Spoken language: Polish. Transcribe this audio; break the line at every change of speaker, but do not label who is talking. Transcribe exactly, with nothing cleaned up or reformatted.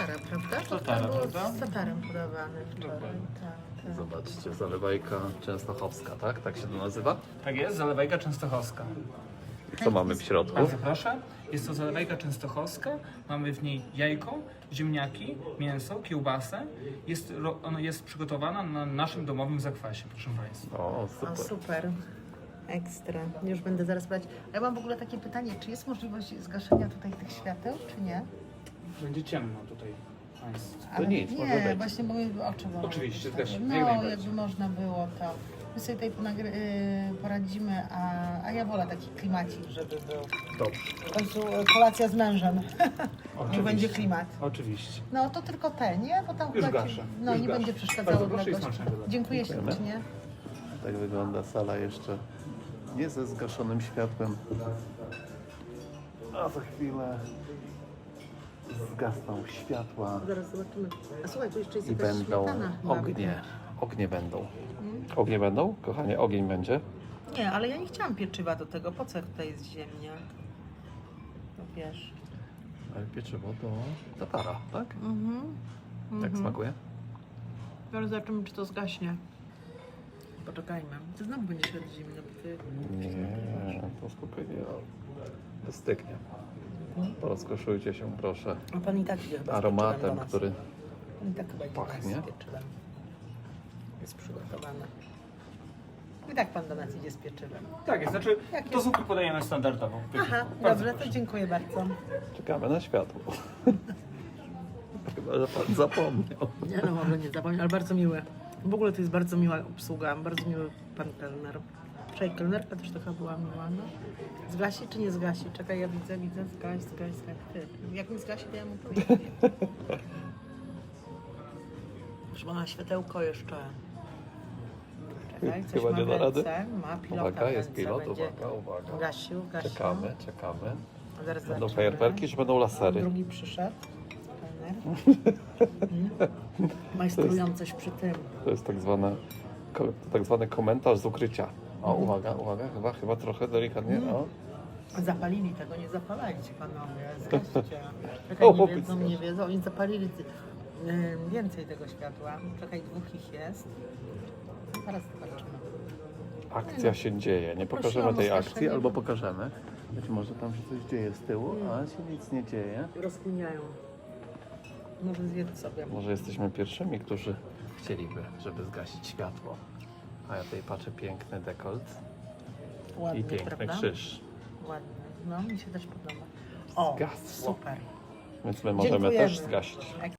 Tatara, prawda?
Tatara,
To było
prawda?
z Tatarem podawany wczoraj.
Dokładnie.
Tak, tak.
Zobaczcie, zalewajka częstochowska, tak? Tak się to nazywa?
Tak jest, zalewajka częstochowska.
Co mamy w środku?
Bardzo proszę. Jest to zalewajka częstochowska. Mamy w niej jajko, ziemniaki, mięso, kiełbasę. Jest, ro- ona jest przygotowana na naszym domowym zakwasie, proszę Państwa.
O,
O,
super.
super. Ekstra. Już będę zaraz brać. A ja mam w ogóle takie pytanie, czy jest możliwość zgaszenia tutaj tych świateł, czy nie?
Będzie ciemno tutaj Państwu.
To nic, może
nie,
być.
właśnie moje oczy bolą.
Oczywiście,
Tak.
też, jak
No,
najbardziej.
jakby można było to. My sobie tutaj ponagry- yy, poradzimy, a, a ja wolę taki klimacik, żeby był.
Dobrze.
W końcu e, kolacja z mężem. Nie
Oczywiście.
będzie klimat.
Oczywiście.
No to tylko te, nie? Bo tam
Już
chyba ci-
gaszę,
No
już
nie
gaszę.
będzie przeszkadzało
Bardzo
dla
proszę i
gości.
smacznego dla-
Dziękuję
Dziękujemy.
ślicznie.
Tak wygląda sala jeszcze nie ze zgaszonym światłem. A za chwilę zgasną światła
Zaraz zobaczymy. A słuchaj, tu jeszcze jest
i
jakaś
będą
śmietana chyba.
ognie. Ognie będą. Ognie będą? Kochanie, ogień będzie.
Nie, ale ja nie chciałam pieczywa do tego. Po co tutaj jest ziemniak? No wiesz.
Ale pieczywo to tatara, tak?
Mhm.
Jak
Mhm.
smakuje?
Zaraz zobaczymy, czy to zgaśnie. Poczekajmy. Ty znowu będzie świat zimny, bo ty...
Nie, to spokojnie wystygnie. Rozkoszujcie się proszę
A pan i tak idzie chyba z pieczywem
aromatem,
do nas.
który
Pan i tak chyba idzie
pachnie.
do nas z pieczywem. Jest przygotowane. I tak pan do nas idzie z pieczywem.
Tak jest, znaczy
Jak
do
jest?
zupy podajemy standardowo.
Aha,
Bardzo
dobrze, to
proszę.
dziękuję bardzo.
czekamy na światło. Chyba, że pan zapomniał.
Nie no, mogę nie zapomnieć, ale bardzo miłe. W ogóle to jest bardzo miła obsługa, bardzo miły pan kelner. Wczoraj kelnerka też taka była miła, no. Zgasi czy nie zgasi? Czekaj, ja widzę, widzę, zgaś, zgaś, zgaś. Ty, jak mi zgasi, to ja mu powiem. Już ma światełko jeszcze. Czekaj, coś
Chyba
ma
nie
w
da rady.
ręce, ma pilota
Uwaga,
w
jest
ręce,
pilot,
będzie
uwaga, uwaga.
Gasił, gasił.
Czekamy, czekamy.
Zaraz
Będą
zobaczymy.
fajerwerki, czy będą lasery?
Drugi przyszedł. Kelner. Mm. Majstrują coś przy tym.
To jest tak, zwane, ko- to tak zwany komentarz z ukrycia. O,
Mhm.
uwaga, uwaga, chyba, chyba trochę delikatnie. O.
Zapalili tego, nie zapalajcie panowie, zgaście. Czekaj,
O,
nie
chłopiec
wiedzą,
zgaś.
nie wiedzą, oni zapalili y, więcej tego światła. Czekaj, dwóch ich jest. No, teraz zobaczymy.
Akcja się dzieje. Nie pokażemy
Prosiłam o
tej
zgaszenie.
akcji, albo pokażemy. Być może tam się coś dzieje z tyłu, a się nic nie dzieje.
Rozkminiają. Może zjedz sobie.
Może jesteśmy pierwszymi, którzy chcieliby, żeby zgasić światło. A ja tutaj patrzę, piękny dekolt
Ładnie,
i piękny
prawda?
krzyż.
Ładnie. No, mi się też podoba. O,
Zgasło.
super.
Więc my możemy
Dziękujemy.
też zgasić.